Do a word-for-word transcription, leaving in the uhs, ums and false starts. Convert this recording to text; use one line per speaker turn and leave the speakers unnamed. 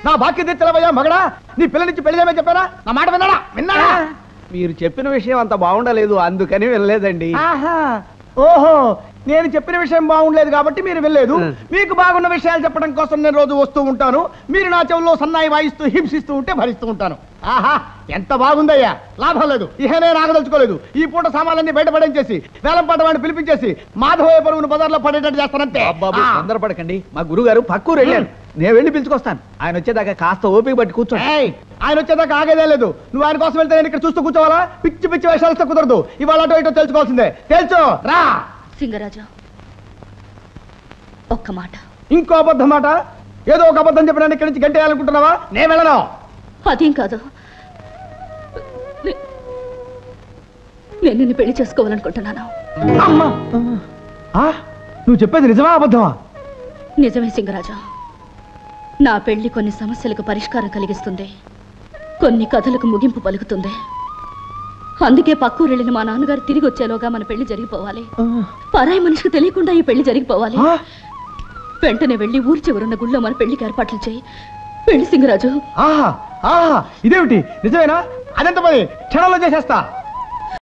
నా బాక్య తెచ్చలవయ్యా మగడా. నీ పిల్లనిచ్చి పెళ్లి చేయమని చెప్పారా? నా మాట విన్నాడా? విన్నాడా?
మీరు చెప్పిన విషయం అంత బాగుండలేదు, అందుకని వెళ్ళలేదండి.
ఆహా, ఓహో, నేను చెప్పిన విషయం బాగుండలేదు కాబట్టి మీరు వెళ్ళలేదు. మీకు బాగున్న విషయాలు చెప్పడం కోసం నేను రోజు వస్తూ ఉంటాను. మీరు నా చెవుల్లో సన్నాయి వాయిస్తూ హింసిస్తూ ఉంటే భరిస్తూ ఉంటాను. ఆహా, ఎంత బాగుందయ్యా. లాభం లేదు, ఇహనే నాగదలుచుకోలేదు. ఈ పూట సామాన్లన్నీ బయటపడించేసి వేలంపాట వాడిని పిలిపించేసి మాధవయ్య పరువును బజార్లో పడేటట్టు చేస్తానంతే.
బాబు తొందరపడకండి, మా గురువు గారు పక్కూరు వెళ్ళారు. నేను వెళ్ళి పిలుచుకొస్తాను. ఆయన వచ్చేదాకా కాస్త ఓపిక పట్టి కూర్చోండి.
ఆయన వచ్చేదాకా ఆగేదే లేదు. నువ్వు ఆయన కోసం వెళ్తే నేను ఇక్కడ చూస్తూ కూర్చోవాలా? పిచ్చి పిచ్చి వేషాలతో కుదరదు. ఇవాళ అటో ఇటో తెలుసుకోవాల్సిందే. తెలుసు రా.
సింగరాజు, ఒక్క మాట.
ఇంకో అబద్ధం మాట? ఏదో ఒక అబద్ధం చెప్పడానికి ఇక్కడి నుంచి గంటేయాలనుకుంటున్నావా? నేను వెళ్ళను.
అదేం కాదు, నేను నిన్ను పెళ్లి చేసుకోవాలనుకుంటున్నాను.
అమ్మా, నువ్వు చెప్పేది నిజమా అబద్ధమా?
నిజమే సింగరాజు. నా పెళ్లి కొన్ని సమస్యలకు పరిష్కారం కలిగిస్తుంది, కొన్ని కథలకు ముగింపు పలుకుతుంది. అందుకే పక్కూరెళ్ళిన మా నాన్నగారు తిరిగి వచ్చేలోగా మన పెళ్లి జరిగిపోవాలి. పరాయి మనిషికి తెలియకుండా ఈ పెళ్లి జరిగిపోవాలి. వెంటనే వెళ్ళి ఊరి చివరున్న గుళ్ళో మన పెళ్లికి ఏర్పాట్లు చేయి. పెళ్లి సింగరాజు.
ఆహా ఆహా, ఇదేమిటి? నిజమేనా? అదెంత పని క్షణంలో చేసేస్తా.